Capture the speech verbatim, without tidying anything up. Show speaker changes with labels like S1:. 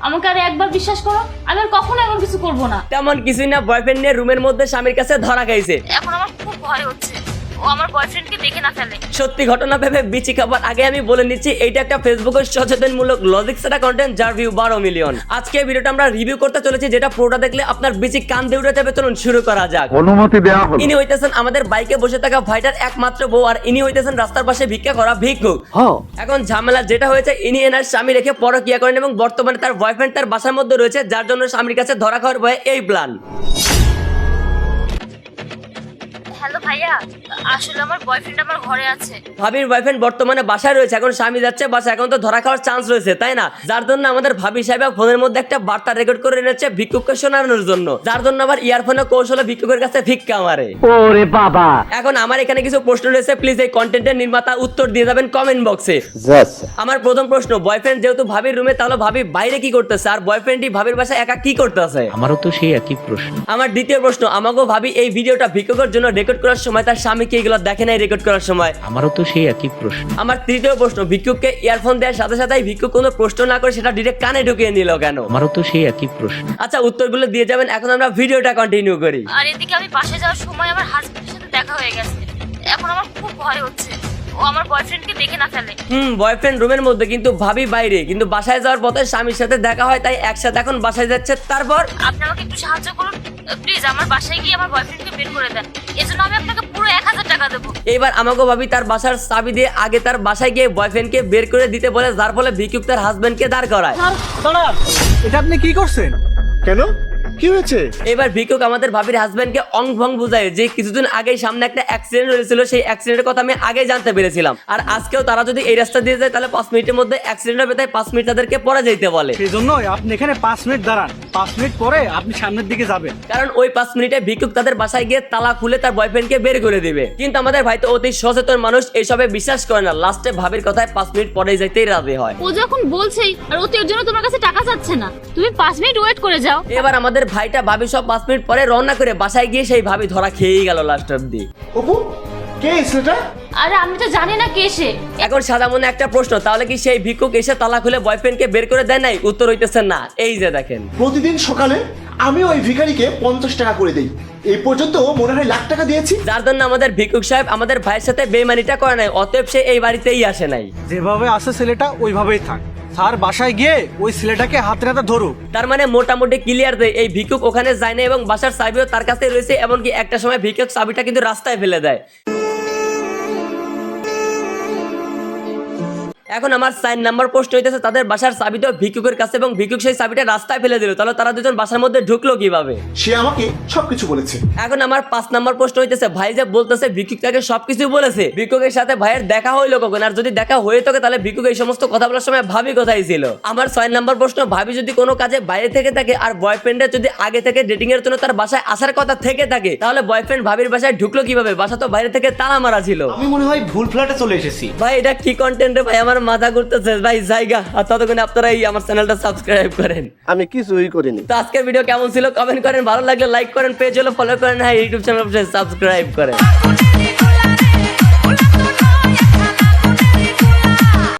S1: আমাকে আর একবার বিশ্বাস করো, আমি আর কখনো এমন কিছু করব না।
S2: তেমন কিছুই না, বয়ফ্রেন্ড নিয়ে রুমের মধ্যে স্বামীর কাছে ধরা খাইছে।
S1: এখন আমার খুব ভয় হচ্ছে ও আমার বয়ফ্রেন্ডকে দেখে না ফেলে।
S2: সত্যি ঘটনা ভেবে বিচি খাবার আগে আমি বলে নিচ্ছি, এইটা একটা ফেসবুকের সচেতনমূলক লজিক সেটা কন্টেন্ট যার ভিউ বারো মিলিয়ন। আজকে এই ভিডিওটা আমরা রিভিউ করতে চলেছি, যেটা পুরোটা দেখলে আপনার বিচি কান দিয়ে উঠে যাবে। চলুন শুরু করা যাক।
S3: অনুমতি দেওয়া হলো।
S2: ইনি হইতেছেন আমাদের বাইকে বসে থাকা ভাইটার একমাত্র বউ, আর ইনি হইতেছেন রাস্তার পাশে ভিক্ষা করা ভিক্ষুক। এখন ঝামেলা যেটা হয়েছে, ইনি এনার স্বামী রেখে পরকিয়া করেন এবং বর্তমানে তার বয়ফ্রেন্ড তার বাসার মধ্যে রয়েছে, যার জন্য স্বামীর কাছে ধরা খাওয়ার ভয়ে এই প্ল্যান।
S1: হ্যালো ভাইয়া, আসলে আমার বয়ফ্রেন্ড আমার ঘরে আছে।
S2: ভাবির বয়ফ্রেন্ড বর্তমানে বাসায় রয়েছে, এখন স্বামী যাচ্ছে বাসা, এখন তো ধরা খাওয়ার চান্স রয়েছে, তাই না? যার জন্য আমাদের ভাবি সাহেব ফোনের মধ্যে একটা বার্তা রেকর্ড করে এনেছে ভিক্ষুককে শোনানোর জন্য, যার জন্য আবার ইয়ারফোনে কৌশলে ভিক্ষুকের কাছে ভিক্ষা মারে।
S3: ওরে বাবা!
S2: এখন আমার এখানে কিছু প্রশ্ন রয়েছে, প্লিজ এই কন্টেন্টের নির্মাতা উত্তর দিয়ে যাবেন কমেন্ট বক্সে। আমার প্রথম প্রশ্ন, বয়ফ্রেন্ড যেহেতু ভাবির রুমে, তাহলে ভাবি বাইরে কি করতেছে, আর বয়ফ্রেন্ডই ভাবির বাসায় একা কি করতেছে?
S4: আমারও তো সেই একই প্রশ্ন।
S2: আমার দ্বিতীয় প্রশ্ন, আমাকে ভাবি এই ভিডিওটা ভিক্ষুকের জন্য রেকর্ড করার সময় তার স্বামীকে এগুলো দেখে নাই রেকর্ড করার সময়?
S4: আমারও তো সেই একই প্রশ্ন।
S2: আমার তৃতীয় প্রশ্ন, ভিক্ষুককে ইয়ারফোন দেওয়ার সাথে সাথে ভিক্ষুক কোনো প্রশ্ন না করে সেটা ডিরেক্ট কানে ঢুকিয়ে নিল কেন?
S4: আমারও তো সেই একই প্রশ্ন।
S2: আচ্ছা, উত্তরগুলো দিয়ে যাবেন, এখন আমরা ভিডিওটা কন্টিনিউ করি।
S1: আর এদিকে আমি বাসে যাওয়ার সময় আমার হাজবেন্ডের সাথে দেখা হয়ে গেছে। এখন আমার খুব ভয় হচ্ছে ও আমার বয়ফ্রেন্ডকে দেখে না ফেলে।
S2: হুম, বয়ফ্রেন্ড রুমের মধ্যে কিন্তু ভাবি বাইরে, কিন্তু বাসায় যাওয়ার পথে স্বামীর সাথে দেখা হয়, তাই একসাথে এখন বাসায় যাচ্ছে। তারপর
S1: আপনি আমাকে একটু সাহায্য করুন প্লিজ, আমার বাসায় গিয়ে আমার বয়ফ্রেন্ডকে বের করে দেন। এজন্য আমি আপনাকে পুরো এক হাজার টাকা দেবো।
S2: এইবার আমাকে ভাবি তার বাসার চাবি দিয়ে আগে তার বাসায় গিয়ে বয়ফ্রেন্ডকে বের করে দিতে বলে, যার ফলে ভিক্ষুক তার হাজবেন্ডকে দাঁড় করায়।
S5: দাঁড়ান, এটা আপনি কি করছেন?
S3: কেন? কি হয়েছে?
S2: এবার ভিক্ষুক আমাদের ভাবির হাজবেন্ডকে অং ভং বুঝায় যে কিছুদিন আগে সামনে একটা অ্যাক্সিডেন্ট হয়েছিল, সেই অ্যাক্সিডেন্টের কথা আমি আগে জানতে পেরেছিলাম, আর আজকেও তারা যদি এই রাস্তা দিয়ে যায় তাহলে পাঁচ মিনিটের মধ্যে অ্যাক্সিডেন্ট হবে, তাই পাঁচ মিনিট তাদেরকে পরে যেতে বলে।
S5: সেই জন্য আপনি এখানে পাঁচ মিনিট দাঁড়ান, পাঁচ মিনিট পরে আপনি সামনের দিকে যাবেন।
S2: কারণ ওই পাঁচ মিনিটে ভিক্ষুক তাদের বাসায় গিয়ে তালা খুলে তার বয়ফ্রেন্ডকে বের করে দিবে। কিন্তু আমাদের ভাই তো অতি সচেতন মানুষ, এইসবে বিশ্বাস করে না, লাস্টে ভাবির কথায় পাঁচ মিনিট পরে যাইতেই রাজি হয়।
S1: ও যখন বলছেই আর ও তো এর জন্য তোমার কাছে টাকা চাচ্ছে না, তুমি পাঁচ মিনিট ওয়েট করে যাও।
S2: এবার আমাদের ভাইটা ভাবি সব পাঁচ মিনিট পরে রওনা করে বাসায় গিয়ে সেই ভাবি ধরা খেয়েই গেল লাস্ট অব্দি।
S3: অপু, কে সেটা?
S1: আরে আমি তো জানি না কে সে।
S2: এখন সাদা মনে একটা প্রশ্ন, তাহলে কি সেই ভিক্ষুক এসে তালা খুলে বয়ফ্রেন্ডকে বের করে দেয় নাই? উত্তর হইতেছে না। এই যে দেখেন,
S6: প্রতিদিন সকালে আমি ওই ভিখারিকে পঞ্চাশ টাকা করে দেই, এই পর্যন্ত মনে হয় লাখ টাকা দিয়েছি।
S2: যার জন্য আমাদের ভিক্ষুক সাহেব আমাদের ভাইয়ের সাথে বেইমানিটা করে নাই, অতএব সে এই বাড়িতেই আসে নাই।
S5: যেভাবে আছে ছেলেটা ওইভাবেই থাক, স্যার বাসায় গিয়ে ওই ছেলেটাকে হাতে নাতে ধরুক।
S2: তার মানে মোটামুটি ক্লিয়ার দেয় এই ভিক্ষুক ওখানে যায় না এবং বাসার চাবিও তার কাছে রয়েছে, এমনকি একটা সময় ভিক্ষুক চাবিটা কিন্তু রাস্তায় ফেলে দেয়। এখন আমার চার নাম্বার প্রশ্ন হইতেছে, তাদের বাসার চাবি তো ভিক্ষুকের কাছে এবং ভিক্ষুক সেই চাবিটা রাস্তায় ফেলে দিল, তাহলে তারা দুজন বাসার মধ্যে ঢুকলো কিভাবে?
S6: সে আমাকে সবকিছু বলেছে।
S2: এখন আমার পাঁচ নাম্বার প্রশ্ন হইতেছে, ভাই যে বলতেছে ভিক্ষুক তাকে সবকিছু বলেছে, ভিক্ষুকের সাথে ভাইয়ের দেখা হইলো কখন? আর যদি দেখা হয়ে থাকে তাহলে ভিক্ষুক এই সমস্ত কথা বলার সময় ভাবি কোথায় ছিল? আমার ছয় নাম্বার প্রশ্ন, ভাবি যদি কোনো কাজে বাইরে থেকে থাকে আর বয়ফ্রেন্ডের যদি আগে থেকে ডেটিং এর জন্য তার বাসায় আসার কথা থেকে থাকে, তাহলে বয়ফ্রেন্ড ভাবির বাসায় ঢুকলো কিভাবে? বাসা তো বাইরে থেকে তালা মারা ছিল।
S7: আমি মনে হয় ভুল ফ্ল্যাটে চলে এসেছি।
S2: ভাই এটা কি কন্টেন্ট রে ভাই, আমার মাথা ঘুরতেছে ভাই, জায়গা। আর ততক্ষণে আপনারা এই আমার চ্যানেলটা সাবস্ক্রাইব করেন।
S3: আমি কিছুই করিনি।
S2: তো আজকের ভিডিও কেমন ছিল কমেন্ট করেন, ভালো লাগলে লাইক করেন, পেজ হলো ফলো করেন, হ্যাঁ ইউটিউব চ্যানেল সাবস্ক্রাইব করেন।